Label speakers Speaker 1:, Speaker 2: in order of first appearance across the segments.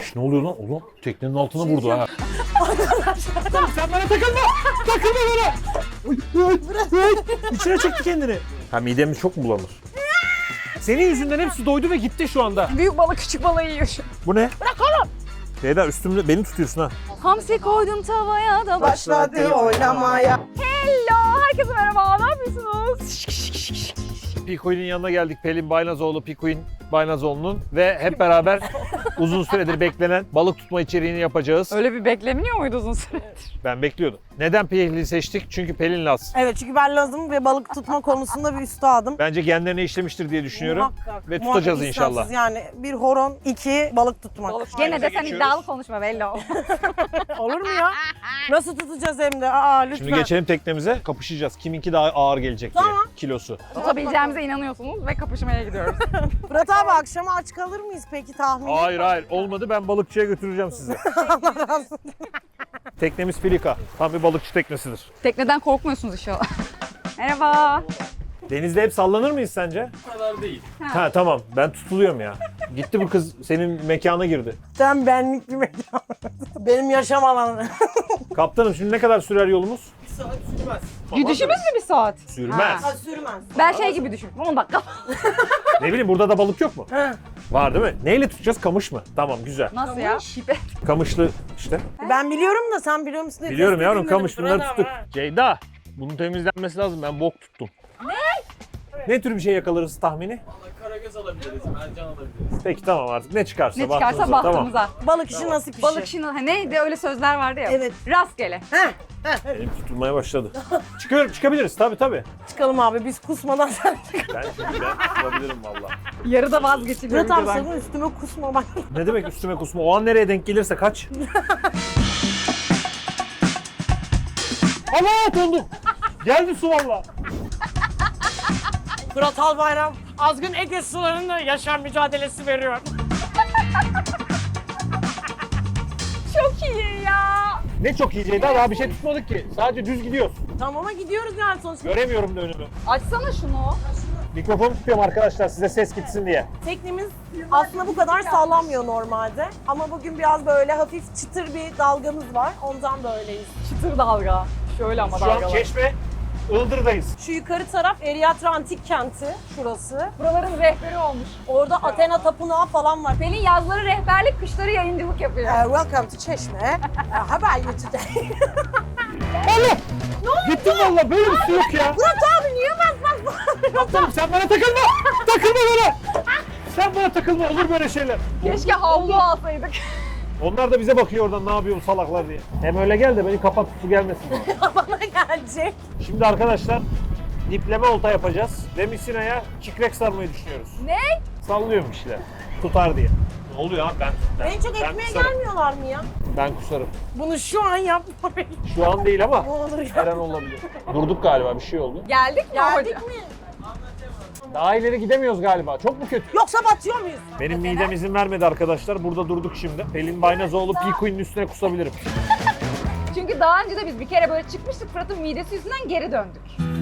Speaker 1: Ne oluyor lan? Oğlum teknenin altına vurdu ha. Sen bana takılma! Takılma bana! İçine çekti kendini. Ha midemiz çok mu bulanır? Senin yüzünden hepsi doydu ve gitti şu anda.
Speaker 2: Büyük balık küçük balığı yiyor şu.
Speaker 1: Bu ne? Bırak oğlum! Ceyda üstümde beni tutuyorsun ha.
Speaker 2: Hamsi koydum tavaya da
Speaker 3: Başladı oynamaya.
Speaker 2: Hello, herkese merhaba, ne yapıyorsunuz?
Speaker 1: Pikuin'in yanına geldik. Pelin Baynazoğlu, Pikuin Baynazoğlu'nun ve hep beraber uzun süredir beklenen balık tutma içeriğini yapacağız.
Speaker 2: Öyle bir beklemiyor muydu uzun süredir?
Speaker 1: Ben bekliyordum. Neden Pelin'i seçtik? Çünkü Pelin Laz.
Speaker 3: Evet çünkü ben Laz'ım ve balık tutma konusunda bir üstadım.
Speaker 1: Bence genlerine işlemiştir diye düşünüyorum.
Speaker 3: Muhakkak.
Speaker 1: Ve tutacağız
Speaker 3: Muhakkak
Speaker 1: inşallah.
Speaker 3: istemsiz. Yani bir horon, 2 balık tutmak.
Speaker 2: Gene de sen
Speaker 1: geçiyoruz.
Speaker 2: iddialı konuşma bello.
Speaker 3: Olur mu ya? Nasıl tutacağız hem de? Aa lütfen.
Speaker 1: Şimdi geçelim teknemize. Kapışacağız. Kiminki daha ağır gelecek diye.
Speaker 3: Tamam.
Speaker 1: Kilosu.
Speaker 2: Tutabileceğimize inanıyorsunuz ve kapışmaya gidiyoruz.
Speaker 3: Fırat abi akşama aç kalır mıyız peki tahmin?
Speaker 1: Hayır. Olmadı. Ben balıkçıya götüreceğim sizi. Teknemiz Filika. Tam bir balıkçı teknesidir.
Speaker 2: Tekneden korkmuyorsunuz inşallah. Merhaba.
Speaker 1: Denizde hep sallanır mıyız sence?
Speaker 4: Bu kadar değil.
Speaker 1: Ha tamam. Ben tutuluyorum ya. Gitti bu kız senin mekana girdi.
Speaker 3: Sen benlik bir mekan. Benim yaşam alanım.
Speaker 1: Kaptanım şimdi ne kadar sürer yolumuz?
Speaker 4: Bir saat sürmez.
Speaker 2: Gidişimiz mi bir saat?
Speaker 1: Sürmez.
Speaker 3: Ha, sürmez.
Speaker 2: Ben şey gibi düşün. 10 dakika.
Speaker 1: Ne bileyim burada da balık yok mu?
Speaker 3: Ha.
Speaker 1: Var değil mi? Neyle tutacağız? Kamış mı? Tamam güzel.
Speaker 2: Nasıl ya? Pipet.
Speaker 1: Kamışlı işte.
Speaker 3: Ben biliyorum da sen biliyor musun? diye
Speaker 1: Biliyorum
Speaker 3: test
Speaker 1: yavrum
Speaker 3: edeyim
Speaker 1: kamış
Speaker 3: dedim.
Speaker 1: bunları
Speaker 3: Fırat abi,
Speaker 1: tuttuk.
Speaker 3: ha.
Speaker 1: Ceyda bunun temizlenmesi lazım. Ben bok tuttum. Ne tür bir şey yakalarız tahmini?
Speaker 4: Valla karagöz alabiliriz, mercan alabiliriz.
Speaker 1: Peki tamam artık. Ne çıkarsa
Speaker 2: Ne çıkarsa
Speaker 1: bahtımıza.
Speaker 2: bahtımıza.
Speaker 3: Balık işi nasip işi.
Speaker 2: Balık işini, neydi öyle sözler vardı ya.
Speaker 3: Evet.
Speaker 2: Rastgele.
Speaker 1: Tamam. Elim tutulmaya başladı. Çıkabiliriz tabii.
Speaker 3: Çıkalım abi biz kusmadan sen çık.
Speaker 1: Ben tutabilirim valla.
Speaker 2: Yarıda vazgeçiliyor
Speaker 3: Fırat abi
Speaker 2: videodan.
Speaker 3: sakın üstüme kusma bak.
Speaker 1: Ne demek üstüme kusma? O an nereye denk gelirse kaç. Allah dondum. Geldi su valla.
Speaker 3: Fırat Albayram azgın Ege sularında yaşam mücadelesi veriyor.
Speaker 2: Çok iyi ya.
Speaker 1: Ne çok iyi Ceyda daha bir şey tutmadık ki. Sadece düz gidiyoruz.
Speaker 3: Tamam ama gidiyoruz yani sonuçta.
Speaker 1: Göremiyorum da önümü.
Speaker 2: Açsana şunu.
Speaker 1: Mikrofonu tutuyorum arkadaşlar size ses gitsin diye.
Speaker 3: Teknemiz aslında bu kadar sallanmıyor normalde. Ama bugün biraz böyle hafif çıtır bir dalgamız var. Ondan böyleyiz.
Speaker 2: Çıtır dalga. Şöyle ama
Speaker 1: Şu an
Speaker 2: dalgalar.
Speaker 1: Çeşme, Ildır'dayız.
Speaker 3: Şu yukarı taraf Eriatra Antik Kenti. Şurası.
Speaker 2: Buraların rehberi olmuş.
Speaker 3: Orada Athena Tapınağı falan var.
Speaker 2: Pelin yazları rehberlik, kışları yayıncılık yapıyor.
Speaker 3: Welcome to Çeşme. How are you today?
Speaker 1: Allah! Gittim valla böyle bir şey yok ya.
Speaker 3: Fırat abi niye bas?
Speaker 1: Kaptanım sen bana takılma! Takılma bana! Sen bana takılma olur böyle şeyler.
Speaker 2: Keşke havlu alsaydık.
Speaker 1: Onlar da bize bakıyor oradan ne yapıyor bu salaklar diye. Hem öyle gel de beni kapat su gelmesin bana.
Speaker 3: Bana gelecek.
Speaker 1: Şimdi arkadaşlar dipleme olta yapacağız ve misinaya kikrek sarmayı düşünüyoruz.
Speaker 2: Ne?
Speaker 1: Sallıyorum bir şeyler. Tutar diye. Ne oluyor abi ben
Speaker 3: En çok
Speaker 1: ben
Speaker 3: ekmeğe
Speaker 1: kusarım.
Speaker 3: gelmiyorlar mı ya?
Speaker 1: Ben kusarım.
Speaker 3: Bunu şu an yapma.
Speaker 1: Şu an değil ama
Speaker 3: Ne olur ya.
Speaker 1: her an olabilir. Durduk galiba bir şey oldu.
Speaker 2: Geldik mi
Speaker 3: Geldik
Speaker 2: hocam?
Speaker 3: mi?
Speaker 1: Daha ileri gidemiyoruz galiba. Çok mu kötü?
Speaker 3: Yoksa batıyor muyuz?
Speaker 1: Benim midem izin vermedi arkadaşlar. Burada durduk şimdi. Pelin Baynazoğlu Pikuin'in üstüne kusabilirim.
Speaker 2: Çünkü daha önce de biz bir kere böyle çıkmıştık. Fırat'ın midesi yüzünden geri döndük.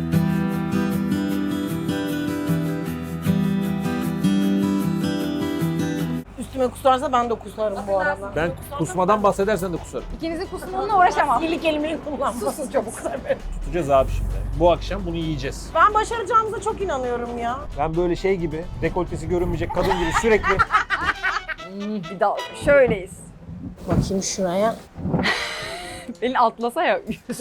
Speaker 3: Üstüme kusarsa ben de kusarım bu arada.
Speaker 1: Ben kusmadan bahsedersen de kusarım.
Speaker 2: İkinizin kusumunla uğraşamam.
Speaker 3: İli kelimeyi kullanma.
Speaker 2: Susun çabuk.
Speaker 1: Tutacağız abi şimdi. Bu akşam bunu yiyeceğiz.
Speaker 3: Ben başaracağımıza çok inanıyorum ya.
Speaker 1: Ben böyle şey gibi, dekoltesi görünmeyecek kadın gibi sürekli
Speaker 2: Bir daha şöyleyiz.
Speaker 3: Bakayım şuraya.
Speaker 2: Elin atlasa ya.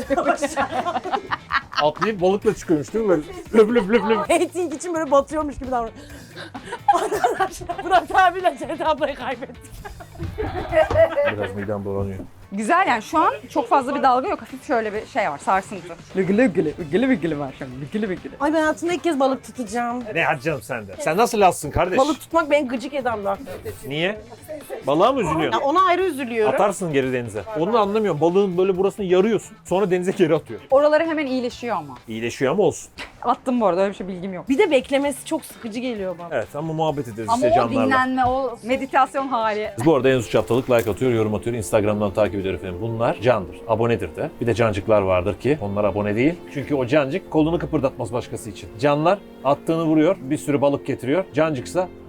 Speaker 1: atlayıp balıkla çıkıyormuş değil mi böyle? Löp löp löp löp.
Speaker 3: Rating için böyle batıyormuş gibi davranıyor. Arkadaşlar Fırat abiyle Ceyda ablayı kaybettik.
Speaker 1: Biraz midem bulanıyor.
Speaker 2: Güzel yani şu an çok fazla bir dalga yok. Hafif şöyle bir şey var, sarsıntı. Lügülü var şu an. Lügülü.
Speaker 3: Ay ben hayatımda ilk kez balık tutacağım.
Speaker 1: Ne hadi canım sen de. Sen nasıl lazsın kardeş?
Speaker 3: Balık tutmak beni gıcık eden bir
Speaker 1: Niye? Balığa mı üzülüyorsun?
Speaker 3: Ya ona ayrı üzülüyorum.
Speaker 1: Atarsın geri denize. Onu anlamıyorum. Balığın böyle burasını yarıyorsun. Sonra denize geri atıyor.
Speaker 2: Oraları hemen iyileşiyor ama.
Speaker 1: İyileşiyor ama olsun.
Speaker 2: Attım bu arada, öyle bir şey bilgim yok.
Speaker 3: Bir de beklemesi çok sıkıcı geliyor bana.
Speaker 1: Evet ama muhabbet ederiz
Speaker 2: Ama
Speaker 1: işte
Speaker 2: o
Speaker 1: canlarla.
Speaker 2: dinlenme, o meditasyon hali.
Speaker 1: Bu arada Enzu Çaptalık like atıyor, yorum atıyor. Instagram'dan takip ediyor efendim. Bunlar candır, abonedir de. Bir de cancıklar vardır ki onlar abone değil. Çünkü o cancık kolunu kıpırdatmaz başkası için. Canlar attığını vuruyor, bir sürü balık getiriyor. Cancıksa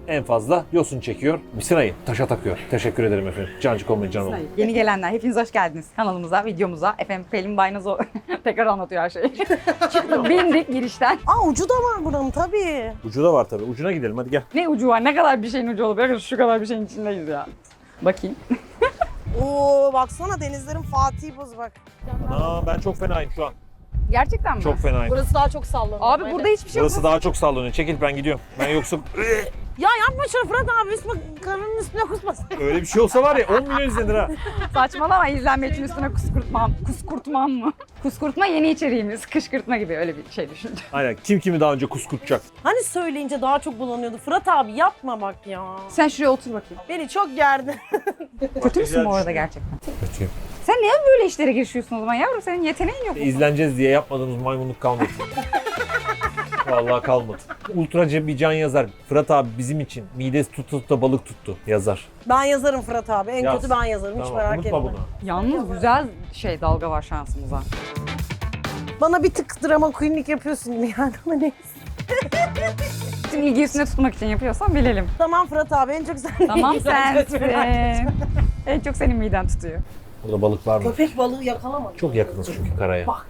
Speaker 1: en fazla yosun çekiyor. Misinayı taşa takıyor. Teşekkür ederim efendim. Cancık olmayın canım.
Speaker 2: Yeni gelenler hepiniz hoş geldiniz kanalımıza, videomuza. Efendim Pelin Baynazo tekrar anlatıyor her şeyi. Çıktık, bindik girişten.
Speaker 3: Aa ucu da var buranın tabii.
Speaker 1: Ucu da var tabii. Ucuna gidelim hadi gel.
Speaker 2: Ne ucu var? Ne kadar bir şeyin ucu olabilir? Şu kadar bir şeyin içindeyiz ya. Bakayım.
Speaker 3: Oo baksana denizlerin Fatih'i buz bak.
Speaker 1: Aa, ben çok fenayım şu an.
Speaker 2: Gerçekten mi?
Speaker 1: Çok fenayım.
Speaker 3: Burası daha çok sallanıyor.
Speaker 2: Abi burada hiçbir şey yok.
Speaker 1: Burası daha çok sallanıyor. Çekil ben gidiyorum. Ben yoksa
Speaker 3: Ya yapma şunu Fırat abi üstüme karnının üstüne kusmasın.
Speaker 1: öyle bir şey olsa var ya 10 milyon izlenir ha.
Speaker 2: Saçmalama, izlenme için üstüne kuskurtmam. Kuskurtmam mı? Kuskurtma yeni içeriğimiz. Kışkırtma gibi öyle bir şey düşünce.
Speaker 1: Aynen. Kim kimi daha önce kuskurtacak?
Speaker 3: Hani söyleyince daha çok bulanıyordu. Fırat abi yapma bak ya.
Speaker 2: Sen şuraya otur bakayım.
Speaker 3: Beni çok gerdi.
Speaker 2: Kötü müsün bu arada gerçekten?
Speaker 1: Kötüyüm.
Speaker 2: Sen niye böyle işlere girişiyorsun o zaman yavrum? Senin yeteneğin yok.
Speaker 1: İzleneceğiz diye yapmadığımız maymunluk kalmadı. Vallahi kalmadı. Ultraca bir can yazar. Fırat abi bizim için midesi tutup da balık tuttu yazar.
Speaker 3: Ben yazarım Fırat abi. En
Speaker 1: Yaz.
Speaker 3: kötü ben yazarım. Hiç
Speaker 1: Tamam,
Speaker 3: merak
Speaker 1: unutma
Speaker 3: etme.
Speaker 1: bunu.
Speaker 2: Yalnız güzel dalga var şansımıza.
Speaker 3: Bana bir tık drama queenlik yapıyorsun gibi yani ama neyse.
Speaker 2: Bütün ilgi üstüne tutmak için yapıyorsan bilelim.
Speaker 3: Tamam Fırat abi en çok sen
Speaker 2: Tamam sensin. En çok senin miden tutuyor.
Speaker 1: Burada balık var mı?
Speaker 3: Köpek balığı yakalamadım.
Speaker 1: Çok yakınız çünkü karaya.
Speaker 3: Bak.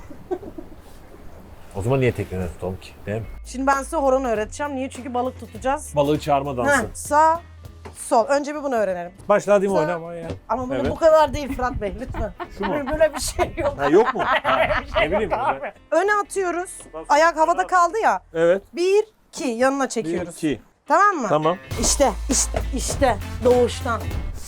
Speaker 1: O zaman niye tekneden tutalım ki? Değil mi?
Speaker 3: Şimdi ben size horon öğreteceğim. Niye? Çünkü balık tutacağız.
Speaker 1: Balığı çağırma dansı.
Speaker 3: Heh, sağ, sol. Önce bir bunu öğrenelim.
Speaker 1: Başla hadi mi
Speaker 3: Sağ-
Speaker 1: oynama ya.
Speaker 3: Ama bunu
Speaker 1: Evet.
Speaker 3: bu kadar değil Fırat Bey lütfen.
Speaker 1: Şu mu?
Speaker 3: Böyle bir şey yok.
Speaker 1: Ha, yok mu? Ha, ne bileyim ben.
Speaker 3: Öne atıyoruz. Ayak havada kaldı ya.
Speaker 1: Evet.
Speaker 3: 1, 2 yanına çekiyoruz.
Speaker 1: 2.
Speaker 3: Tamam mı?
Speaker 1: Tamam.
Speaker 3: İşte doğuştan.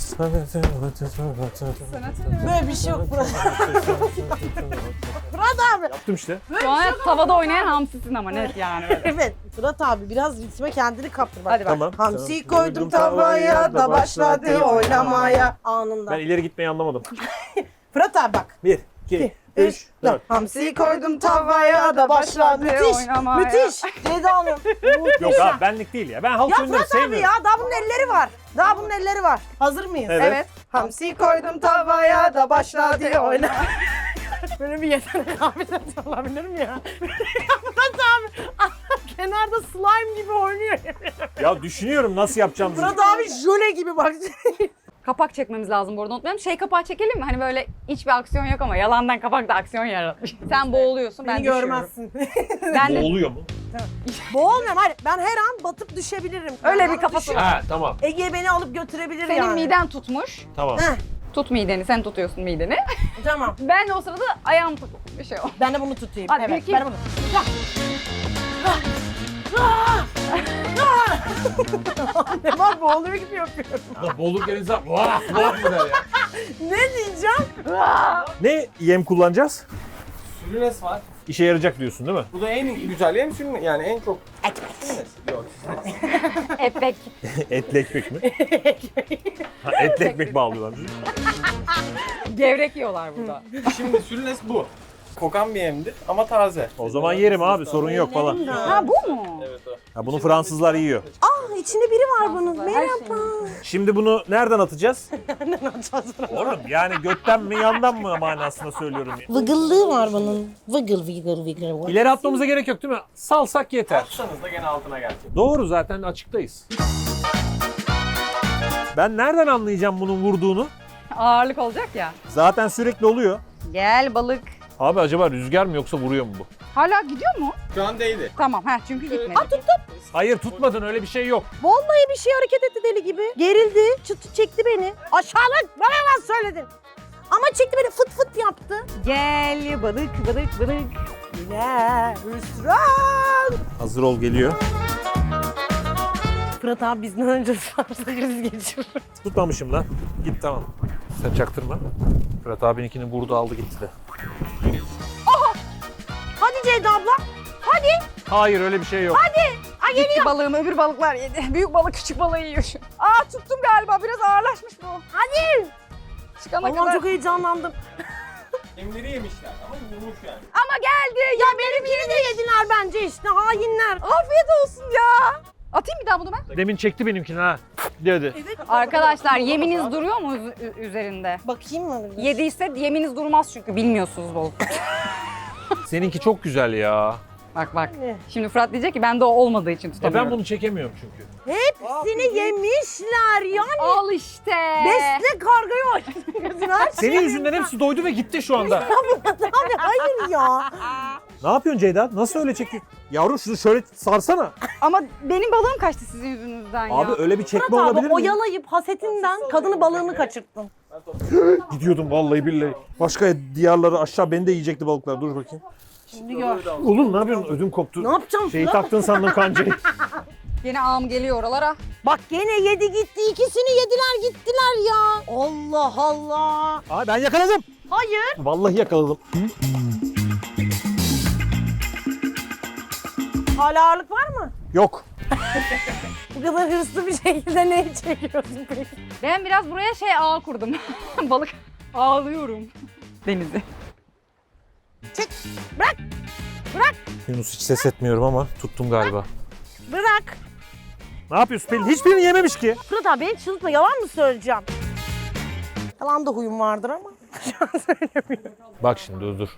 Speaker 3: Böyle bir şey yok Fırat. Fırat abi.
Speaker 1: Yaptım işte.
Speaker 2: Şu an tavada oynayan hamsisin ama net yani.
Speaker 3: Evet. Fırat abi biraz ritme kendini kaptır bak.
Speaker 2: Hadi bak.
Speaker 1: Tamam.
Speaker 3: Hamsi koydum tavaya da başladı oynamaya. Anında.
Speaker 1: Ben ileri gitmeyi anlamadım.
Speaker 3: Fırat abi bak.
Speaker 1: 1, 2, 3, 4.
Speaker 3: Hamsi koydum tavaya da başladı. Müthiş.
Speaker 2: oynamaya.
Speaker 3: Müthiş. Ceyda Hanım.
Speaker 1: Yok abi benlik değil ya. Ben halk
Speaker 3: Ya
Speaker 1: oyunları
Speaker 3: Fırat abi
Speaker 1: sevmiyorum.
Speaker 3: ya daha bunun elleri var. Daha bunun elleri var. Hazır mıyız?
Speaker 1: Evet.
Speaker 3: Hamsi koydum tavaya da başladı oyna. Böyle bir yetenek kabiliyeti olabilir mi ya? Fırat abi kenarda slime gibi oynuyor.
Speaker 1: Ya düşünüyorum nasıl yapacağımızı.
Speaker 3: Fırat abi jöle gibi bak.
Speaker 2: Kapak çekmemiz lazım burada unutmayalım. Şey kapağı çekelim mi? Hani böyle hiçbir aksiyon yok ama yalandan kapakta aksiyon yaratmış. Sen boğuluyorsun ben
Speaker 3: Beni
Speaker 2: düşüyorum.
Speaker 3: görmezsin.
Speaker 2: Ben de
Speaker 1: Oluyor mu?
Speaker 3: Boğulmuyorum hayır. Ben her an batıp düşebilirim.
Speaker 2: öyle
Speaker 3: Ben
Speaker 2: bir
Speaker 3: bana
Speaker 2: kafası var.
Speaker 1: Ha tamam.
Speaker 3: Ege beni alıp götürebilir
Speaker 2: Senin
Speaker 3: yani.
Speaker 2: miden tutmuş.
Speaker 1: Tamam.
Speaker 3: Heh,
Speaker 2: Tut mideni, sen tutuyorsun mideni.
Speaker 3: tamam.
Speaker 2: Ben de o sırada ayağım tutup bir şey o.
Speaker 3: Ben de bunu tutayım.
Speaker 2: Hadi,
Speaker 3: evet,
Speaker 2: bir, iki.
Speaker 3: ben de bunu. Ne var boğuluyor gibi yapıyorum.
Speaker 1: Bolluk denize vah vah mı der ya?
Speaker 3: Ne diyeceğim?
Speaker 1: Ne yem kullanacağız?
Speaker 4: Sülünes var.
Speaker 1: İşe yarayacak diyorsun değil mi?
Speaker 4: Bu da en güzel yem sülünes. Yani en çok... Sülünes. Yok.
Speaker 2: Epek.
Speaker 1: Etli ekmek mi? Ha, etli ekmek bağlıyorlar.
Speaker 2: Gevrek yiyorlar burada.
Speaker 4: Şimdi sülünes bu. Kokan bir yemdir ama taze.
Speaker 1: O zaman yerim abi sorun yok falan.
Speaker 2: Ha bu mu?
Speaker 4: Evet o.
Speaker 1: Ha, bunu Fransızlar yiyor.
Speaker 3: Ah içinde biri var bunun.
Speaker 2: Her şey.
Speaker 3: Merhaba.
Speaker 1: Şimdi bunu nereden atacağız?
Speaker 3: Nereden atacağız bunu?
Speaker 1: Oğlum yani götten mi yandan mı manasında söylüyorum. Ya.
Speaker 3: Vıgıllığı var bunun. Vıgıl vıgıl vıgıl.
Speaker 1: İleri atmamıza gerek yok değil mi? Salsak yeter.
Speaker 4: Atsanız da gene altına gelecek.
Speaker 1: Doğru zaten açıktayız. Ben nereden anlayacağım bunun vurduğunu?
Speaker 2: Ağırlık olacak ya.
Speaker 1: Zaten sürekli oluyor.
Speaker 2: Gel balık.
Speaker 1: Abi acaba rüzgar mı yoksa vuruyor mu bu?
Speaker 2: Hala gidiyor mu?
Speaker 4: Şu an değdi.
Speaker 2: Tamam çünkü gitmedi.
Speaker 1: Hayır tutmadın öyle bir şey yok.
Speaker 3: Vallahi bir şey hareket etti deli gibi. Gerildi. Çıtı çekti beni. Aşağılık. Bana yalan söyledin. Ama çekti beni fıt fıt yaptı.
Speaker 2: Gel balık balık balık.
Speaker 3: Yine hüsran.
Speaker 1: Hazır ol geliyor.
Speaker 3: Fırat abi bizden önce sarsa kriz geçiyor.
Speaker 1: Tutmamışım lan. Git tamam. Sen çaktırma. Fırat abininkini vurdu aldı gitti de.
Speaker 3: Hadi Ceyda abla. Hadi.
Speaker 1: Hayır öyle bir şey yok.
Speaker 3: Ay
Speaker 2: Gitti balığım, öbür balıklar yedi. Büyük balık küçük balığı yiyor şu. Aa tuttum galiba, biraz ağırlaşmış bu.
Speaker 3: Hadi.
Speaker 2: Çıkana
Speaker 3: Allah'ım
Speaker 2: kadar.
Speaker 3: çok heyecanlandım.
Speaker 4: Yemleri yemişler ama yumuş yani.
Speaker 2: Ama geldi.
Speaker 3: Ya benimkini de yediler bence işte hainler.
Speaker 2: Afiyet olsun ya. Atayım bir daha bunu ben.
Speaker 1: Demin çekti benimkini ha. Dedi.
Speaker 2: Arkadaşlar yeminiz duruyor mu üzerinde?
Speaker 3: Bakayım mı?
Speaker 2: Yediyse yeminiz durmaz çünkü bilmiyorsunuz balık.
Speaker 1: Seninki çok güzel ya.
Speaker 2: Bak bak.
Speaker 3: Ne?
Speaker 2: Şimdi Fırat diyecek ki ben de o olmadığı için tutamıyorum.
Speaker 1: Ben bunu çekemiyorum çünkü.
Speaker 3: Hepsini yemişler yani.
Speaker 2: Al işte.
Speaker 3: Besle kargayı aç. Her
Speaker 1: Senin yüzünden hepsi doydu ve gitti şu anda.
Speaker 3: Abi hayır ya.
Speaker 1: Ne yapıyorsun Ceyda? Nasıl öyle çekiyor? Yavrum şunu şöyle sarsana.
Speaker 2: Ama benim balığım kaçtı sizin yüzünüzden ya.
Speaker 1: Abi öyle bir çekme
Speaker 3: Fırat
Speaker 1: olabilir
Speaker 3: abi
Speaker 1: mi?
Speaker 3: oyalayıp hasetinden kadını balığını kaçırttın.
Speaker 1: Gidiyordum vallahi billahi. Başka diyarları aşağı beni de yiyecekti balıklar. Dur bakayım.
Speaker 3: Şimdi gör.
Speaker 1: Oğlum ne yapıyorsun? Ödüm koptu.
Speaker 3: Ne yapacağım
Speaker 1: Şeyi
Speaker 3: Fırat?
Speaker 1: taktın sandım kancayı.
Speaker 2: Yine ağım geliyor oralara.
Speaker 3: Bak gene yedi gitti. İkisini yediler gittiler ya. Allah Allah.
Speaker 1: Ay ben yakaladım.
Speaker 3: Hayır.
Speaker 1: Vallahi yakaladım.
Speaker 3: Hala ağırlık var mı?
Speaker 1: Yok.
Speaker 3: Bu kadar hırslı bir şekilde neyi çekiyorsun peki?
Speaker 2: Ben biraz buraya ağ kurdum. Balık ağlıyorum. Denizi.
Speaker 3: Çek. Bırak. Bırak.
Speaker 1: Yunus hiç ses etmiyorum ama tuttum galiba.
Speaker 3: Bırak.
Speaker 1: Ne yapıyorsun Pelin? Hiçbirini yememiş ki.
Speaker 3: Fırat abi beni çıldırtma. Yalan mı söyleyeceğim? Yalan da huyum vardır ama. Şu an söylemiyorum.
Speaker 1: Bak şimdi dur.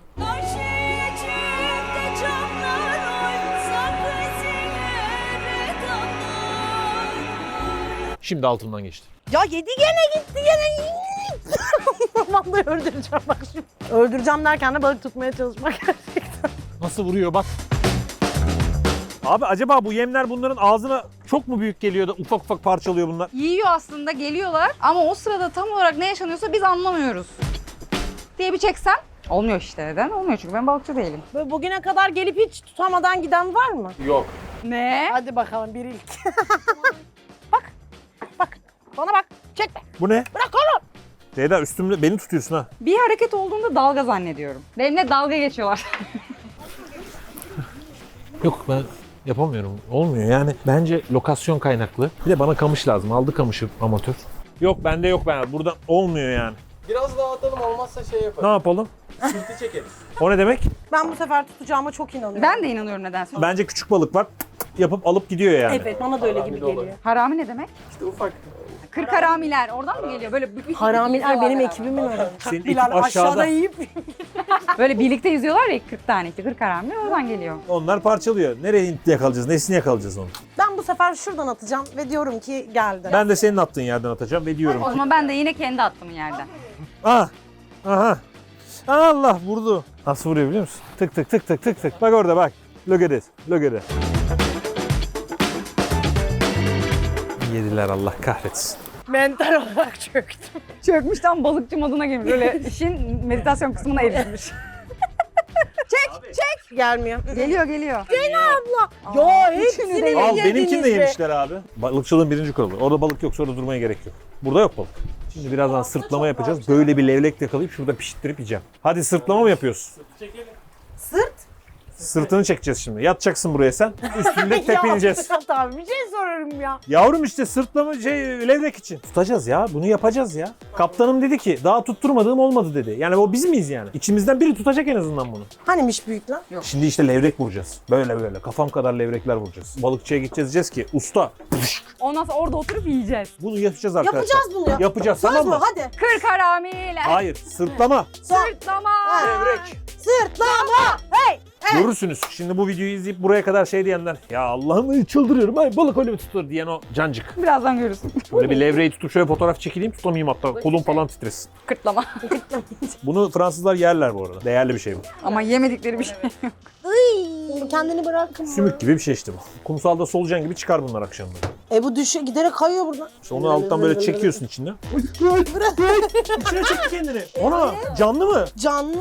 Speaker 1: Şimdi altından geçti.
Speaker 3: Ya yedi gene gitti gene. Vallahi öldüreceğim bak şimdi. Öldüreceğim derken de balık tutmaya çalışmak gerçekten.
Speaker 1: Nasıl vuruyor bak. Abi acaba bu yemler bunların ağzına çok mu büyük geliyor da ufak ufak parçalıyor bunlar?
Speaker 2: Yiyor aslında, geliyorlar ama o sırada tam olarak ne yaşanıyorsa biz anlamıyoruz. Diye bir çeksem olmuyor işte. Neden? Olmuyor çünkü ben balıkçı değilim.
Speaker 3: Böyle bugüne kadar gelip hiç tutamadan giden var mı?
Speaker 4: Yok.
Speaker 2: Ne?
Speaker 3: Hadi bakalım bir ilk. Bak. Bak. Bana bak. Çekme.
Speaker 1: Bu ne?
Speaker 3: Bırak oğlum.
Speaker 1: Ceyda üstümde beni tutuyorsun ha.
Speaker 2: Bir hareket olduğunda dalga zannediyorum. Benimle dalga geçiyorlar.
Speaker 1: Yok ben yapamıyorum. Olmuyor yani. Bence lokasyon kaynaklı. Bir de bana kamış lazım. Aldı kamışı amatör. Yok bende yok ben. Burada olmuyor yani.
Speaker 4: Biraz daha atalım, olmazsa şey
Speaker 1: Ne
Speaker 4: yaparız.
Speaker 1: yapalım?
Speaker 4: Sırtı çekeriz.
Speaker 1: O ne demek?
Speaker 3: Ben bu sefer tutacağıma çok inanıyorum.
Speaker 2: Ben de inanıyorum nedense.
Speaker 1: Bence küçük balık var. Yapıp alıp gidiyor yani.
Speaker 3: Evet bana da öyle gibi geliyor.
Speaker 2: Harami ne demek?
Speaker 4: İşte ufak.
Speaker 2: Kırk haramiler. Oradan mı geliyor? Böyle büyük
Speaker 3: Haramiler benim ekibimin öyle.
Speaker 1: Senin
Speaker 3: Bilal
Speaker 1: ekip aşağıda.
Speaker 3: aşağıda yiyip
Speaker 2: Böyle birlikte yüzüyorlar ya 40 tane işte 40 harami oradan geliyor.
Speaker 1: Onlar parçalıyor. Nereye yakalayacağız? Nesini yakalayacağız onu?
Speaker 3: ben bu sefer şuradan atacağım ve diyorum ki geldi.
Speaker 1: Ben de senin attığın yerden atacağım ve diyorum
Speaker 2: O
Speaker 1: ki...
Speaker 2: zaman ben de yine kendi attım yerden.
Speaker 1: Ah! Aha! Allah vurdu. Nasıl vuruyor biliyor musun? Tık tık tık tık tık tık. Bak orada bak. Look at it. Look at it. Yediler Allah kahretsin.
Speaker 3: Mental olarak çöktüm.
Speaker 2: Çökmüş tam balıkçı moduna girmiş. Böyle işin meditasyon kısmına erişmiş. Çek.
Speaker 3: Gelmiyor.
Speaker 2: Geliyor geliyor.
Speaker 3: Abla. Ya
Speaker 2: üçünü de
Speaker 3: hepsini mi
Speaker 1: Al
Speaker 3: yediniz
Speaker 1: benimkini de
Speaker 3: be?
Speaker 1: yemişler abi. Balıkçılığın birinci kuralı. Orada balık yok sonra durmaya gerek yok. Burada yok balık. Şimdi birazdan sırtlama yapacağız. Böyle bir levrek yakalayıp şurada pişirttirip yiyeceğim. Hadi sırtlama mı yapıyoruz?
Speaker 3: Sırt.
Speaker 1: Sırtını çekeceğiz şimdi. Yatacaksın buraya sen. Üstünde tepineceğiz.
Speaker 3: Ya Fırat abi bir şey soruyorum ya.
Speaker 1: Yavrum işte sırtlama levrek için. Tutacağız ya. Bunu yapacağız ya. Kaptanım dedi ki daha tutturmadığım olmadı dedi. Yani o biz miyiz yani? İçimizden biri tutacak en azından bunu.
Speaker 3: Hanimiş büyük lan?
Speaker 1: Şimdi işte levrek vuracağız. Böyle böyle kafam kadar levrekler vuracağız. Balıkçıya gideceğiz diyeceğiz ki usta
Speaker 2: Ondan sonra orada oturup yiyeceğiz.
Speaker 1: bunu yapacağız arkadaşlar.
Speaker 3: Yapacağız bunu ya.
Speaker 1: Yapacağız
Speaker 3: Söz
Speaker 1: tamam
Speaker 3: mü?
Speaker 1: mı?
Speaker 3: Hadi.
Speaker 2: 40 haramiler.
Speaker 1: Hayır sırtlama.
Speaker 2: Sırtlama.
Speaker 1: Levrek.
Speaker 3: Sırtlama. Hey.
Speaker 1: Görürsünüz. Şimdi bu videoyu izleyip buraya kadar şey diyenler ya Allah'ım çıldırıyorum ay balık öyle mi tutulur diyen o cancık.
Speaker 2: Birazdan görürsün.
Speaker 1: Böyle bir levreyi tutup şöyle fotoğraf çekileyim tutamayayım hatta kolum falan titresin.
Speaker 2: Kırtlama.
Speaker 1: Bunu Fransızlar yerler bu arada. Değerli bir şey bu.
Speaker 2: Ama yemedikleri bir şey yok.
Speaker 3: Iy, kendini bırakma.
Speaker 1: Sümük gibi bir şey işte bu. Kumsalda solucan gibi çıkar bunlar akşamları.
Speaker 3: Bu düşe giderek kayıyor buradan.
Speaker 1: İşte onu alttan böyle çekiyorsun içinden. İçine çekti kendini. Ona canlı mı?
Speaker 3: Canlı.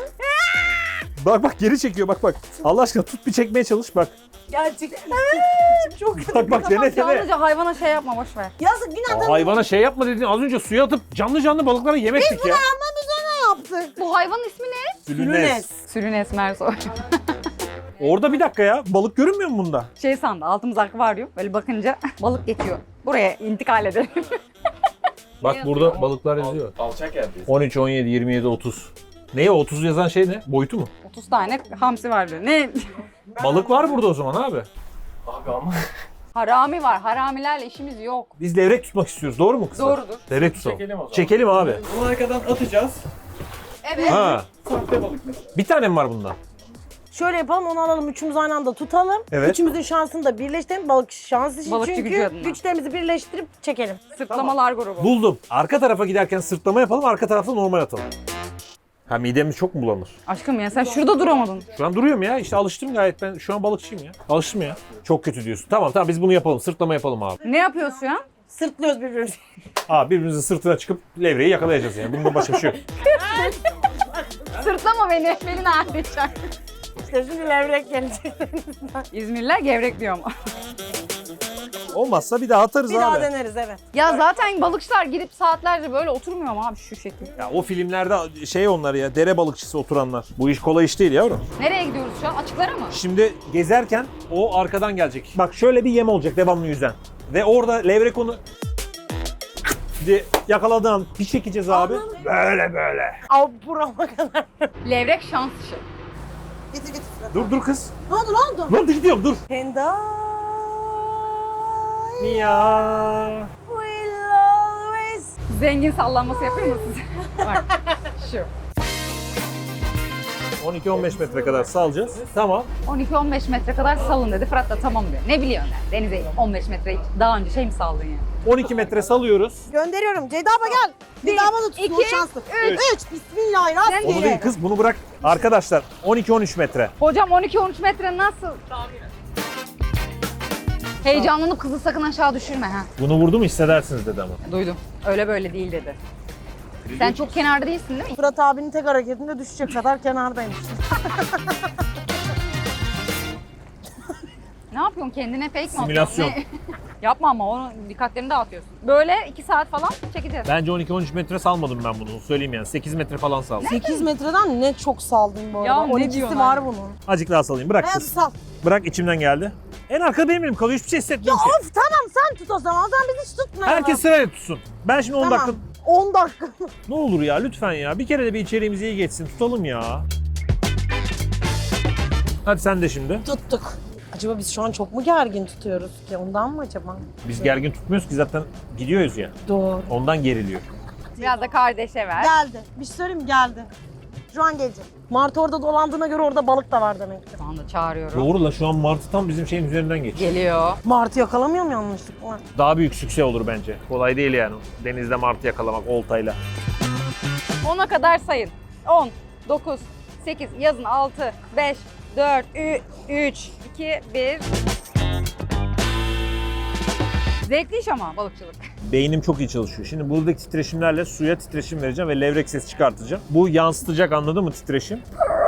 Speaker 1: Bak bak geri çekiyor bak bak. Allah aşkına tut bir çekmeye çalış bak.
Speaker 3: Gerçekten. Çok kötü.
Speaker 1: Bak bak dene dene.
Speaker 2: Yalnızca hayvana şey yapma boş ver.
Speaker 3: Yazık günah da
Speaker 1: Hayvana şey yapma dedin az önce suya atıp canlı balıklara yemektik ya.
Speaker 3: yaptık.
Speaker 2: Bu hayvanın ismi ne?
Speaker 1: Sülünes.
Speaker 2: Sülünes Mersoy.
Speaker 1: Orada bir dakika ya. Balık görünmüyor mu bunda?
Speaker 2: Şey sandı altımız akvaryum. Böyle bakınca balık geçiyor. Buraya intikal edelim.
Speaker 1: Bak burada balıklar yazıyor.
Speaker 4: Alçak yerdeyiz.
Speaker 1: 13, 17, 27, 30. Neye 30 yazan şey ne? Boyutu mu?
Speaker 2: 30 tane hamsi vardı. Ne?
Speaker 1: Balık var burada o zaman abi.
Speaker 4: Abi ama
Speaker 2: Harami var. Haramilerle işimiz yok.
Speaker 1: Biz levrek tutmak istiyoruz. Doğru mu kızlar?
Speaker 2: Doğrudur.
Speaker 1: Levrek tutalım.
Speaker 4: Çekelim o zaman.
Speaker 1: Çekelim abi.
Speaker 4: bunu arkadan atacağız.
Speaker 2: Evet.
Speaker 1: Ha.
Speaker 4: Sahte balık mesela.
Speaker 1: Bir tane mi var bundan?
Speaker 3: Şöyle yapalım, onu alalım, üçümüz aynı anda tutalım.
Speaker 1: Evet.
Speaker 3: Üçümüzün şansını da birleştirelim. Balık şans için
Speaker 2: Balıkçı gücü
Speaker 3: çünkü
Speaker 2: adına.
Speaker 3: güçlerimizi birleştirip çekelim.
Speaker 2: Sırtlamalar grubu.
Speaker 1: Buldum. Arka tarafa giderken sırtlama yapalım, arka tarafta normal atalım. Ha midemiz çok mu bulanır?
Speaker 2: Aşkım ya sen şurada duramadın.
Speaker 1: Şu an duruyorum ya. İşte alıştım gayet. Ben şu an balıkçıyım ya. Alıştım ya. Çok kötü diyorsun. Tamam biz bunu yapalım. Sırtlama yapalım abi.
Speaker 2: Ne yapıyorsun şu an?
Speaker 3: Sırtlıyoruz birbirimizi.
Speaker 1: Abi birbirimizin sırtına çıkıp levreyi yakalayacağız yani. Bundan başka bir şey yok.
Speaker 2: Sırtlama beni. Beni ne yapacak?
Speaker 3: İşte şimdi levrek gelecek.
Speaker 2: İzmirliler gevrek diyor ama.
Speaker 1: Olmazsa bir daha atarız
Speaker 3: Bir
Speaker 1: abi.
Speaker 3: daha deneriz, evet.
Speaker 2: Ya zaten balıkçılar gidip saatlerce böyle oturmuyor mu abi şu şekilde?
Speaker 1: Ya o filmlerde şey onlar ya, dere balıkçısı oturanlar. Bu iş kolay iş değil yavrum.
Speaker 2: Nereye gidiyoruz şu an? Açıklara mı?
Speaker 1: Şimdi gezerken o arkadan gelecek. Bak şöyle bir yem olacak devamlı yüzen. Ve orada levrek onu diye yakaladığın bir çekeceğiz abi. Böyle.
Speaker 3: Av burama kadar.
Speaker 2: Levrek şans işi.
Speaker 3: Getir getir.
Speaker 1: Dur kız.
Speaker 3: Ne oldu ne oldu?
Speaker 1: Dur gidiyorum dur.
Speaker 3: Penda.
Speaker 1: Ya.
Speaker 3: Will always.
Speaker 2: Zengin sallanması yapayım mı size? Bak şu.
Speaker 1: 12-15 metre kadar salacağız. Tamam.
Speaker 2: 12-15 metre kadar salın dedi. Fırat da tamam diyor. Ne biliyorsun yani? Denize 15 metre hiç daha önce şey mi saldın yani?
Speaker 1: 12 metre salıyoruz.
Speaker 3: Gönderiyorum. Ceyda abla gel. Bir daha bana tutsun, o
Speaker 2: iki,
Speaker 3: şanslı.
Speaker 2: üç.
Speaker 3: 3. Bismillahirrahmanirrahim.
Speaker 1: Onu değil kız bunu bırak. Arkadaşlar 12-13 metre.
Speaker 2: Hocam 12-13 metre nasıl? Heyecanlanıp kızı sakın aşağı düşürme ha.
Speaker 1: Bunu vurdu mu hissedersiniz dedi ama.
Speaker 2: Duydum. Öyle böyle değil dedi. Sen çok kenarda değilsin değil mi?
Speaker 3: Fırat abinin tek hareketinde düşecek kadar kenardaymış.
Speaker 2: Ne yapıyorsun? Kendine fake mi
Speaker 1: Simülasyon.
Speaker 2: atıyorsun? Ne? Yapma ama onun dikkatlerini dağıtıyorsun. Böyle 2 saat falan çekeceğiz.
Speaker 1: Bence 12-13 metre salmadım ben bunu. Söyleyeyim yani. 8 metre falan saldım.
Speaker 3: 8 metreden ne çok saldın bu arada.
Speaker 2: Ya ne
Speaker 3: 12'si
Speaker 2: diyorsun
Speaker 3: var
Speaker 2: abi?
Speaker 3: bunun.
Speaker 1: Azıcık daha salayım. Bırak
Speaker 3: Hayatım
Speaker 1: kız.
Speaker 3: sal.
Speaker 1: Bırak içimden geldi. En arkada benim elim kalıyor. Hiçbir şey
Speaker 3: Ya
Speaker 1: hissetmiyorum ki.
Speaker 3: of tamam sen tut o zaman. O zaman biz hiç tutmayalım.
Speaker 1: Herkes sırayla tutsun. Ben şimdi 10
Speaker 3: Tamam.
Speaker 1: dakika...
Speaker 3: 10 dakika.
Speaker 1: Ne olur ya lütfen ya. Bir kere de bir içeriğimiz iyi geçsin. Tutalım ya. Hadi sen de şimdi.
Speaker 3: Tuttuk. Acaba biz şu an çok mu gergin tutuyoruz ki? Ondan mı acaba?
Speaker 1: Biz gergin tutmuyoruz ki zaten gidiyoruz ya.
Speaker 3: Doğru.
Speaker 1: Ondan geriliyor.
Speaker 2: Biraz da kardeşe ver.
Speaker 3: Geldi. Bir şey söyleyeyim mi? Geldi. Şu an gelecek. Martı orada dolandığına göre orada balık da var demektir.
Speaker 2: Şu anda çağırıyorum.
Speaker 1: Doğru la şu an Martı tam bizim şeyin üzerinden geçiyor.
Speaker 2: Geliyor.
Speaker 3: Martı yakalamıyor mu yanlışlıkla?
Speaker 1: Daha büyük sükse olur bence. Kolay değil yani. Denizde Martı yakalamak oltayla.
Speaker 2: 10'a kadar sayın. 10, 9, 8, yazın 6, 5, 4, 3, 2, 1. Zevkli iş ama balıkçılık.
Speaker 1: Beynim çok iyi çalışıyor. Şimdi buradaki titreşimlerle suya titreşim vereceğim ve levrek sesi çıkartacağım. Bu yansıtacak anladın mı titreşim?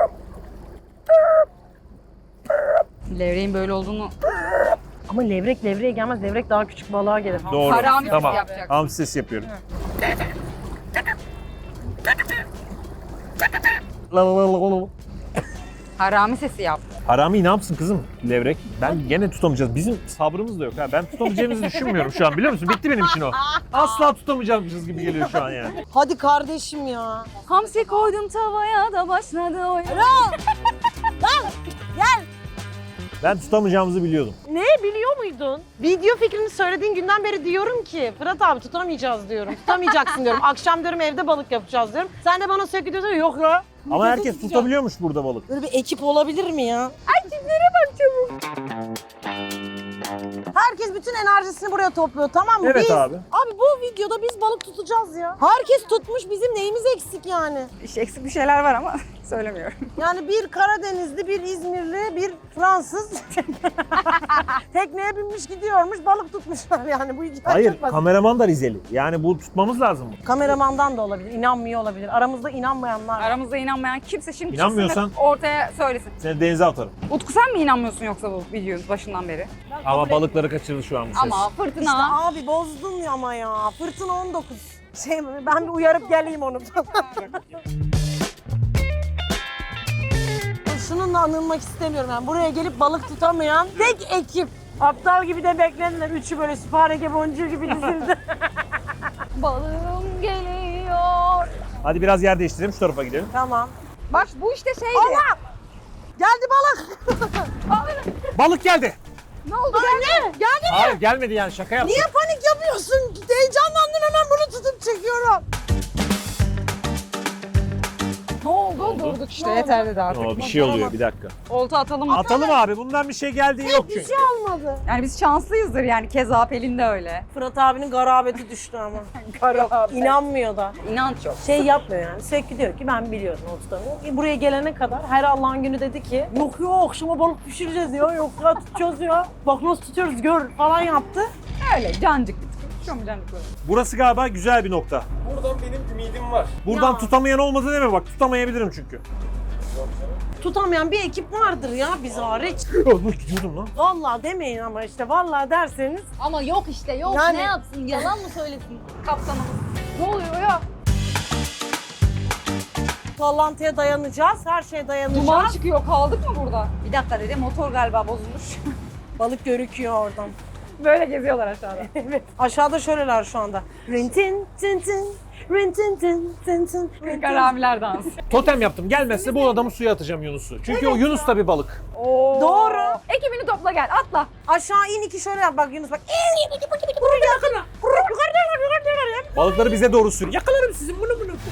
Speaker 2: Levreğin böyle olduğunu
Speaker 3: Ama levrek levreye gelmez. Levrek daha küçük balığa gelir.
Speaker 1: Doğru.
Speaker 2: Harami
Speaker 1: Tamam.
Speaker 2: sesi yapacaksın.
Speaker 1: Hamsi sesi yapıyorum.
Speaker 2: harami sesi yap.
Speaker 1: Harami ne yapsın kızım levrek? Ben gene tutamayacağız. Bizim sabrımız da yok ha. Ben tutamayacağımızı düşünmüyorum şu an biliyor musun? Bitti benim için o. Asla tutamayacağımız gibi geliyor şu an yani.
Speaker 3: Hadi kardeşim ya.
Speaker 2: Hamsi koydum tavaya da başladı o.
Speaker 1: Ben tutamayacağımızı biliyordum.
Speaker 3: Ne biliyor muydun? Video fikrini söylediğin günden beri diyorum ki Fırat abi tutamayacağız diyorum. Tutamayacaksın diyorum. Akşam diyorum evde balık yapacağız diyorum. Sen de bana sürekli diyorsun yok ya.
Speaker 1: Ama
Speaker 3: Videoda
Speaker 1: herkes
Speaker 3: tutacağım.
Speaker 1: tutabiliyormuş burada balık.
Speaker 3: Böyle bir ekip olabilir mi ya?
Speaker 2: Ay tiplere bak çabuk.
Speaker 3: Herkes bütün enerjisini buraya topluyor tamam mı?
Speaker 1: Evet
Speaker 3: biz,
Speaker 1: abi.
Speaker 3: Abi bu videoda biz balık tutacağız ya. Herkes tutmuş bizim neyimiz eksik yani?
Speaker 2: İşte eksik bir şeyler var ama söylemiyorum.
Speaker 3: Yani bir Karadenizli, bir İzmirli, bir Fransız tekneye binmiş gidiyormuş balık tutmuşlar yani bu hikaye
Speaker 1: Hayır
Speaker 3: çok basit.
Speaker 1: kameraman da Rizeli. Yani bu tutmamız lazım.
Speaker 3: Kameramandan da olabilir, inanmıyor olabilir. Aramızda inanmayanlar var.
Speaker 2: Aramızda inanmayan kimse şimdi
Speaker 1: İnanmıyorsan-
Speaker 2: çıksın da ortaya söylesin.
Speaker 1: Seni denize atarım.
Speaker 2: Utku sen mi inanmıyorsun yoksa bu videonun başından beri?
Speaker 1: Ama balıkları kaçırdı şu an bu ses.
Speaker 2: Ama fırtına.
Speaker 3: İşte abi bozdun ya ama ya. Fırtına 19. Ben bir uyarıp geleyim onu. Şununla anılmak istemiyorum yani. Buraya gelip balık tutamayan tek ekip. Aptal gibi de beklediler. Üçü böyle süphareke boncuğu gibi dizildi.
Speaker 2: Balığım geliyor.
Speaker 1: Hadi biraz yer değiştirelim şu tarafa gidelim.
Speaker 3: Tamam.
Speaker 2: Bak bu işte şeydi.
Speaker 3: Allah! Geldi balık.
Speaker 1: Balık geldi.
Speaker 2: Ne oldu?
Speaker 3: Ne? Geldi.
Speaker 1: Hayır gelmedi yani şaka yaptım.
Speaker 3: Niye panik yapıyorsun? Heyecanlandım hemen bunu tutup çekiyorum.
Speaker 2: Ne oldu? Durdu Aldık işte yeter dedi artık.
Speaker 1: Oo, bir şey oluyor bir dakika.
Speaker 2: Olta atalım mı?
Speaker 1: Atalım abi bundan bir şey geldiği yok çünkü.
Speaker 3: Olmadı.
Speaker 2: Yani biz şanslıyızdır yani keza Pelin de öyle.
Speaker 3: Fırat abinin garabeti düştü ama.
Speaker 2: Kara.
Speaker 3: İnanmıyor da.
Speaker 2: İnanç yok.
Speaker 3: Şey yapmıyor yani. Sürekli diyor ki ben biliyorum o tutamıyor. Buraya gelene kadar her Allah'ın günü dedi ki yok yok akşama balık pişireceğiz ya. Yok ya tutacağız ya. Bak nasıl tutuyoruz gör falan yaptı.
Speaker 2: Öyle cancık bir tık. Şu mu cancık böyle?
Speaker 1: Burası galiba güzel bir nokta.
Speaker 4: Buradan benim ümidim var.
Speaker 1: Buradan
Speaker 3: Ya.
Speaker 1: tutamayan olmadı deme bak tutamayabilirim çünkü.
Speaker 3: Tutamayan bir ekip vardır ya biz hariç.
Speaker 1: Dur gidiyordum lan.
Speaker 3: Vallahi demeyin ama işte vallahi derseniz.
Speaker 2: Ama yok işte yok.
Speaker 3: Yani-
Speaker 2: Ne yapsın? Yalan mı söylesin kaptanımız? Ne oluyor ya?
Speaker 3: Sallantıya dayanacağız. Her şeye dayanacağız.
Speaker 2: Duman çıkıyor. Kaldık mı burada? Bir dakika dedi. Motor galiba bozulmuş.
Speaker 3: Balık görüküyor oradan.
Speaker 2: Böyle geziyorlar aşağıda.
Speaker 3: Evet. Aşağıda şöyleler şu anda. Rintin tin tin. Rintin tin tin tin. rintin.
Speaker 2: Karamiler dansı.
Speaker 1: Totem yaptım. Gelmezse bu adamı suya atacağım Yunus'u. Çünkü o Yunus da bir balık.
Speaker 2: Oo.
Speaker 3: Doğru.
Speaker 2: Ekibini topla gel. Atla.
Speaker 3: Aşağı in iki şöyle yap bak Yunus bak. Buraya yakına. Yukarıdan.
Speaker 1: Balıkları bize doğru sür. Yakalarım sizin bunu.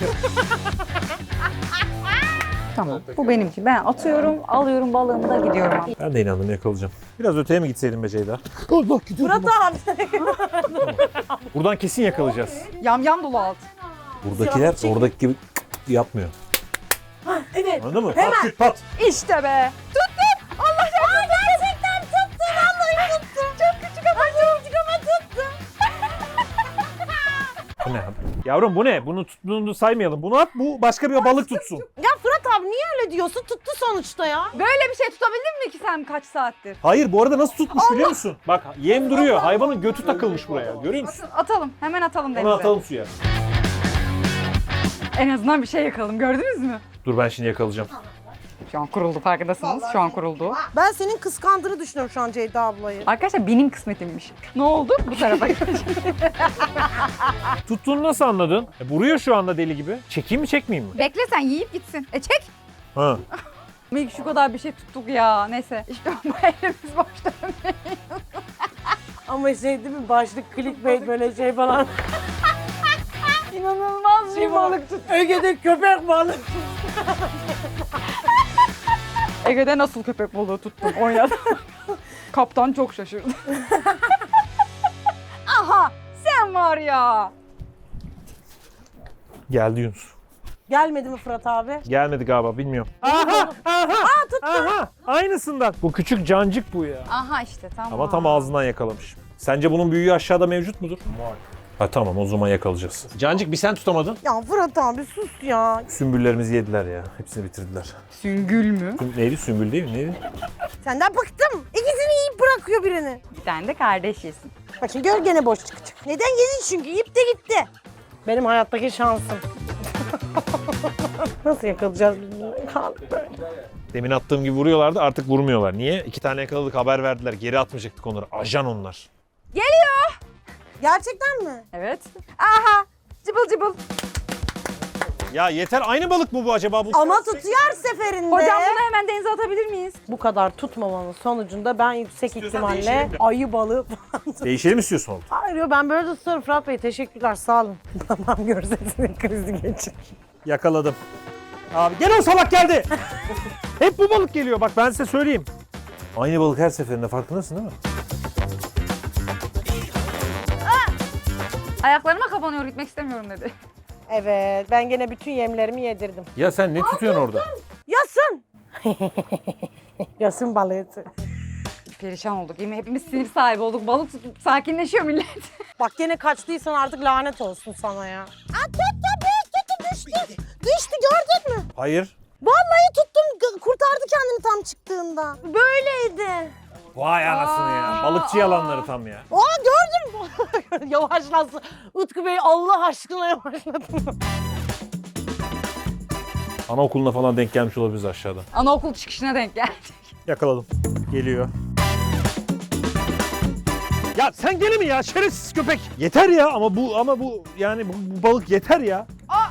Speaker 2: Tamam. Bu benimki. Ben atıyorum, alıyorum balığımı da gidiyorum.
Speaker 1: Ben de inandım yakalayacağım. Biraz öteye mi gitseydim be Ceyda? Allah gidiyorum.
Speaker 3: Fırat abi.
Speaker 1: Buradan kesin yakalayacağız.
Speaker 2: Yam dolu alt.
Speaker 1: Buradakiler oradaki gibi yapmıyor.
Speaker 3: Evet.
Speaker 1: Anladın mı? Pat küt pat.
Speaker 2: İşte be. Tuttum. Allah şahane. Gerçekten tuttum. Vallahi tuttum. Çok küçük ama tuttum.
Speaker 1: Bu ne abi? Yavrum bu ne? Bunu tuttuğunu saymayalım. Bunu at bu başka bir balık tutsun.
Speaker 3: Ya Fırat abi niye öyle diyorsun? Tuttu sonuçta ya.
Speaker 2: Böyle bir şey tutabildin mi ki sen kaç saattir?
Speaker 1: Hayır bu arada nasıl tutmuş biliyor musun? Bak yem duruyor. Hayvanın götü takılmış buraya. Görüyor musun?
Speaker 2: Atalım. Hemen atalım denize.
Speaker 1: Onu atalım suya.
Speaker 2: En azından bir şey yakalım. Gördünüz mü?
Speaker 1: Dur ben şimdi yakalayacağım.
Speaker 2: Şu an kuruldu farkındasınız. Şu an kuruldu.
Speaker 3: Ben senin kıskandığını düşünüyorum şu an Ceyda ablayı.
Speaker 2: Arkadaşlar benim kısmetimmiş. Ne oldu? Bu tarafa
Speaker 1: Tuttuğunu nasıl anladın? Vuruyor şu anda deli gibi. Çekeyim mi çekmeyeyim mi?
Speaker 2: Bekle sen yiyip gitsin. Çek.
Speaker 1: Ha.
Speaker 2: Şu kadar bir şey tuttuk ya. Neyse. İşte bu elimiz boş dönmeyin.
Speaker 3: Ama şey değil mi? Başlık clickbait böyle şey falan.
Speaker 2: İnanılmaz bir balık tut.
Speaker 3: Ege'de köpek balık.
Speaker 2: Ege'de nasıl köpek balığı tuttum oynadım. Kaptan çok şaşırdı. Aha sen var ya.
Speaker 1: Geldi Yunus.
Speaker 3: Gelmedi mi Fırat abi?
Speaker 1: Gelmedi galiba bilmiyorum. Aha! Aha! Aynısından. Bu küçük cancık bu ya.
Speaker 2: Aha işte tamam.
Speaker 1: Ama tam ağzından yakalamış. Sence bunun büyüğü aşağıda mevcut mudur? Var. Ha tamam o zaman yakalayacağız. Cancık bir sen tutamadın.
Speaker 3: Ya Fırat abi sus ya.
Speaker 1: Sümbüllerimizi yediler ya. Hepsini bitirdiler.
Speaker 2: Süngül mü?
Speaker 1: Neydi? Sümbül değil mi? Neydi?
Speaker 3: Senden bıktım. İkisini yiyip bırakıyor birini.
Speaker 2: Bir tane de kardeş yesin.
Speaker 3: Bak şimdi gör gene boş çıkacak. Neden yedin çünkü yiyip de gitti. Benim hayattaki şansım. Nasıl yakalayacağız biz bunu? Kaldık böyle.
Speaker 1: Demin attığım gibi vuruyorlardı artık vurmuyorlar. Niye? 2 tane yakaladık haber verdiler. Geri atmayacaktık onları. Ajan onlar.
Speaker 2: Geliyor.
Speaker 3: Gerçekten mi?
Speaker 2: Evet. Aha. Cıbıl cıbıl.
Speaker 1: Ya yeter aynı balık mı bu acaba? Bu
Speaker 3: Ama tutuyor her seferinde.
Speaker 2: Hocam bunu hemen denize atabilir miyiz?
Speaker 3: Bu kadar tutmamanın sonucunda ben yüksek
Speaker 1: İstiyorsan
Speaker 3: ihtimalle
Speaker 1: değişelim de.
Speaker 3: ayı balığı falan
Speaker 1: Değişelim istiyorsun oldu.
Speaker 3: Hayır yo, ben böyle de tutarım Fırat Bey. Teşekkürler sağ olun. Tamam görsesinin krizi geçir.
Speaker 1: Yakaladım. Abi gene o salak geldi. Hep bu balık geliyor bak ben size söyleyeyim. Aynı balık her seferinde farkındasın değil mi?
Speaker 2: Ayaklarıma kapanıyor gitmek istemiyorum dedi.
Speaker 3: Evet ben gene bütün yemlerimi yedirdim.
Speaker 1: Ya sen ne tutuyorsun orada?
Speaker 3: Yasın. Yasın balığı.
Speaker 2: Perişan olduk. Yemin hepimiz sinir sahibi olduk. Balık tutup sakinleşiyor millet.
Speaker 3: Bak gene kaçtıysan artık lanet olsun sana ya. Aa, tuttu düştü. Düştü gördün mü?
Speaker 1: Hayır.
Speaker 3: Vallahi tuttum kurtardı kendini tam çıktığında. Böyleydi.
Speaker 1: Vay anasını ya. Balıkçı yalanları tam ya.
Speaker 3: Aa gördün mü? Yavaşlasın. Utku Bey Allah aşkına yavaşlatın.
Speaker 1: Anaokuluna falan denk gelmiş olabiliriz aşağıda.
Speaker 2: Anaokul çıkışına denk geldik.
Speaker 1: Yakaladım. Geliyor. Ya sen gene mi ya şerefsiz köpek? Yeter ya ama bu yani bu balık yeter ya.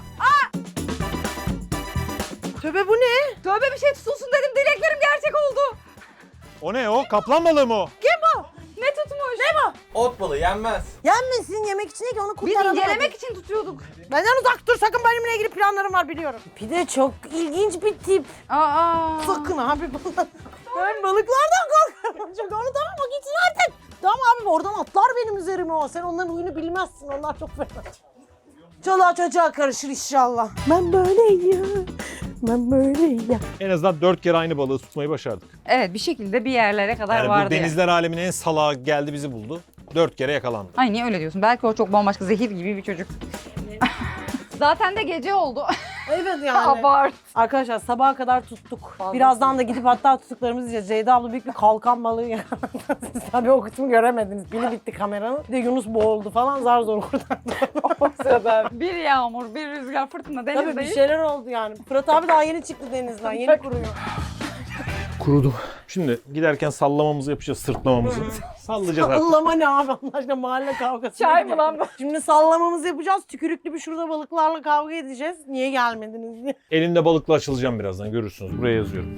Speaker 3: Tövbe bu ne?
Speaker 2: Tövbe bir şey tutulsun dedim. Dileklerim gerçek oldu.
Speaker 1: O ne o? Kaplan balığı mı o?
Speaker 2: Ne tutmuş? Ne bu?
Speaker 4: Ot balığı yenmez.
Speaker 3: Yenmesin, yemek için değil ki onu
Speaker 2: Biz
Speaker 3: kurtaralım.
Speaker 2: incelemek için tutuyorduk.
Speaker 3: Benden uzak dur, sakın benimle ilgili planlarım var biliyorum. Pide çok ilginç bir tip.
Speaker 2: Aa.
Speaker 3: Sakın abi bana. Ben balıklardan korkarım. Çok onu tamam o gitsin artık. Tamam abi oradan atlar benim üzerime o. Sen onların huyunu bilmezsin. Onlar çok fena. Çoluğa çocuğa karışır inşallah. Ben böyleyim. Ben böyleyim.
Speaker 1: En azından 4 kere aynı balığı tutmayı başardık.
Speaker 2: Evet bir şekilde bir yerlere kadar
Speaker 1: Yani bu
Speaker 2: vardı.
Speaker 1: denizler aleminin en salağı geldi bizi buldu. 4 kere yakalandı.
Speaker 2: Ay niye öyle diyorsun? Belki o çok bambaşka zehir gibi bir çocuk. Zaten de gece oldu.
Speaker 3: Evet yani.
Speaker 2: Abart.
Speaker 3: Arkadaşlar sabaha kadar tuttuk. Birazdan da gidip hatta tuttuklarımızı yiyeceğiz. Ceyda abla büyük bir kalkan balığı yakaladı. Siz tabii o kısmı göremediniz. Pili bitti kameranın. Bir de Yunus boğuldu falan zar zor kurtardı.
Speaker 2: O sırada bir yağmur, bir rüzgar, fırtına
Speaker 3: Tabii bir
Speaker 2: denizdeyiz.
Speaker 3: şeyler oldu yani. Fırat abi daha yeni çıktı denizden. Yeni kuruyor.
Speaker 1: Kurudu. Şimdi giderken sallamamızı yapacağız, sırtlamamızı. Sallayacağız artık.
Speaker 3: Sallama ne abi Allah aşkına mahalle kavgası.
Speaker 2: Çay mı lan bu?
Speaker 3: Şimdi sallamamızı yapacağız. Tükürüklü bir şurada balıklarla kavga edeceğiz. Niye gelmediniz diye.
Speaker 1: Elimde balıkla açılacağım birazdan, görürsünüz. Buraya yazıyorum.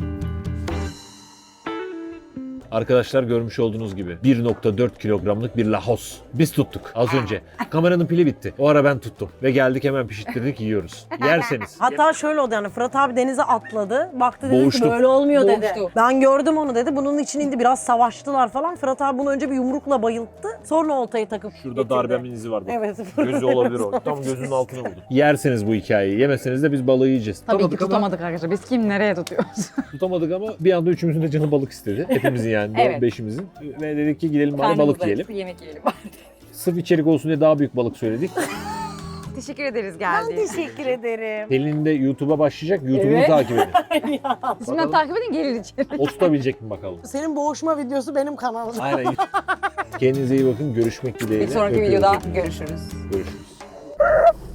Speaker 1: Arkadaşlar görmüş olduğunuz gibi 1.4 kilogramlık bir lahos. Biz tuttuk az önce. Kameranın pili bitti. O ara ben tuttum. Ve geldik hemen pişirttirdik yiyoruz. Yerseniz.
Speaker 3: Hatta şöyle oldu yani Fırat abi denize atladı. Baktı dedi
Speaker 1: Boğuştu.
Speaker 3: ki böyle olmuyor dedi.
Speaker 2: Boğuştu.
Speaker 3: Ben gördüm onu dedi. Bunun için indi biraz savaştılar falan. Fırat abi bunu önce bir yumrukla bayılttı. Sonra oltayı takıp
Speaker 1: Şurada
Speaker 3: getirdi.
Speaker 1: darbemin izi var bak.
Speaker 3: Evet.
Speaker 1: Gözü olabilir o. Tam gözünün altına vurdu. Yerseniz bu hikayeyi. Yemeseniz de biz balığı yiyeceğiz.
Speaker 2: Tabii ki tutamadık arkadaşlar. Biz kim nereye tutuyoruz?
Speaker 1: Tutamadık ama bir anda üçümüzün de canı balık istedi. Hepimizin yani.
Speaker 2: Evet.
Speaker 1: Beşimizin. Ve dedik ki gidelim bari balık yiyelim.
Speaker 2: Yemek yiyelim.
Speaker 1: Sırf içerik olsun diye daha büyük balık söyledik.
Speaker 2: Teşekkür ederiz
Speaker 3: Ben
Speaker 2: geldiğiniz için.
Speaker 3: teşekkür ederim.
Speaker 1: Pelin de YouTube'a başlayacak. YouTube'unu
Speaker 2: Evet.
Speaker 1: takip edin.
Speaker 2: Şimdiden takip edin gelin içeri.
Speaker 1: O tutabilecek mi bakalım?
Speaker 3: Senin boğuşma videosu benim kanalımda.
Speaker 1: Aynen. Kendinize iyi bakın. Görüşmek dileğiyle.
Speaker 2: Bir sonraki
Speaker 1: Öpüyoruz
Speaker 2: videoda
Speaker 1: hepinizi.
Speaker 2: görüşürüz.
Speaker 1: Görüşürüz.